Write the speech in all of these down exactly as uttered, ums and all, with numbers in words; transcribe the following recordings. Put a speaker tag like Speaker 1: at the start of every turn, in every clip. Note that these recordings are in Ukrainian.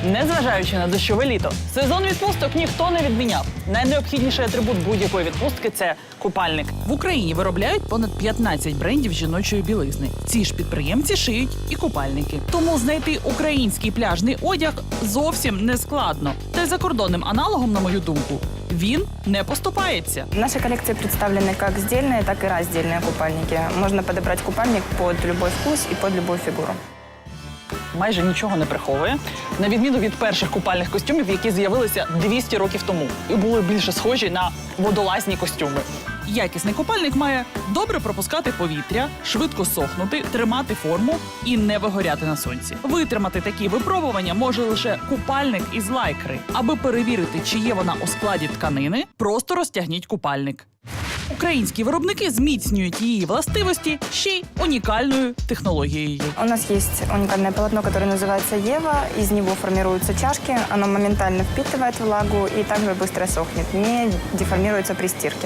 Speaker 1: Незважаючи на дощове літо, сезон відпусток ніхто не відміняв. Найнеобхідніший атрибут будь-якої відпустки – це купальник. В Україні виробляють понад п'ятнадцять брендів жіночої білизни. Ці ж підприємці шиють і купальники. Тому знайти український пляжний одяг зовсім не складно. Та й закордонним аналогом, на мою думку, він не поступається.
Speaker 2: В нашей коллекции представлены как сдельные, так и раздельные купальники. Можно подобрать купальник под любой вкус и под любую фигуру.
Speaker 1: Майже нічого не приховує, на відміну від перших купальних костюмів, які з'явилися двісті років тому і були більше схожі на водолазні костюми. Якісний купальник має добре пропускати повітря, швидко сохнути, тримати форму і не вигоряти на сонці. Витримати такі випробування може лише купальник із лайкри. Аби перевірити, чи є вона у складі тканини, просто розтягніть купальник. Українські виробники зміцнюють її властивості ще й унікальною технологією.
Speaker 2: У нас есть уникальное полотно, которое называется Ева. Из него формируются чашки. Оно моментально впитывает влагу и также быстро сохнет, не деформируется при стирке.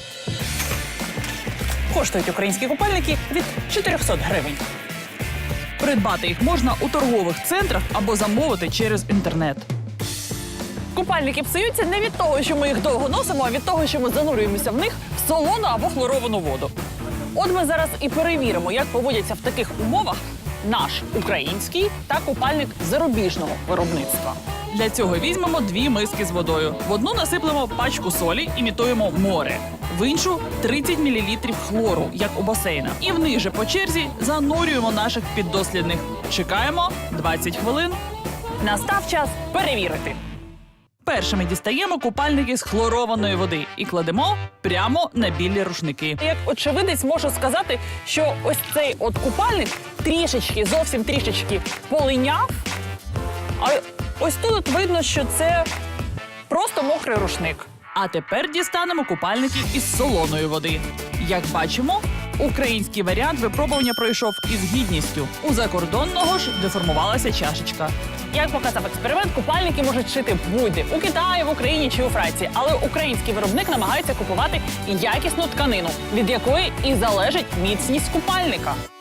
Speaker 1: Коштують українські купальники від чотирьохсот гривень. Придбати їх можна у торгових центрах або замовити через інтернет. Купальники псуються не від того, що ми їх довго носимо, а від того, що ми занурюємося в них в солону або хлоровану воду. От ми зараз і перевіримо, як поводяться в таких умовах наш український та купальник зарубіжного виробництва. Для цього візьмемо дві миски з водою. В одну насиплемо пачку солі, імітуємо море. В іншу – тридцять мілілітрів хлору, як у басейнах. І вниз же по черзі занурюємо наших піддослідних. Чекаємо двадцять хвилин. Настав час перевірити. Першими дістаємо купальники з хлорованої води і кладемо прямо на білі рушники. Як очевидець можу сказати, що ось цей от купальник трішечки, зовсім трішечки полиняв, а ось тут видно, що це просто мокрий рушник. А тепер дістанемо купальники із солоної води. Як бачимо, український варіант випробування пройшов із гідністю. У закордонного ж деформувалася чашечка. Як показав експеримент, купальники можуть шити будь-де – у Китаї, в Україні чи у Франції. Але український виробник намагається купувати якісну тканину, від якої і залежить міцність купальника.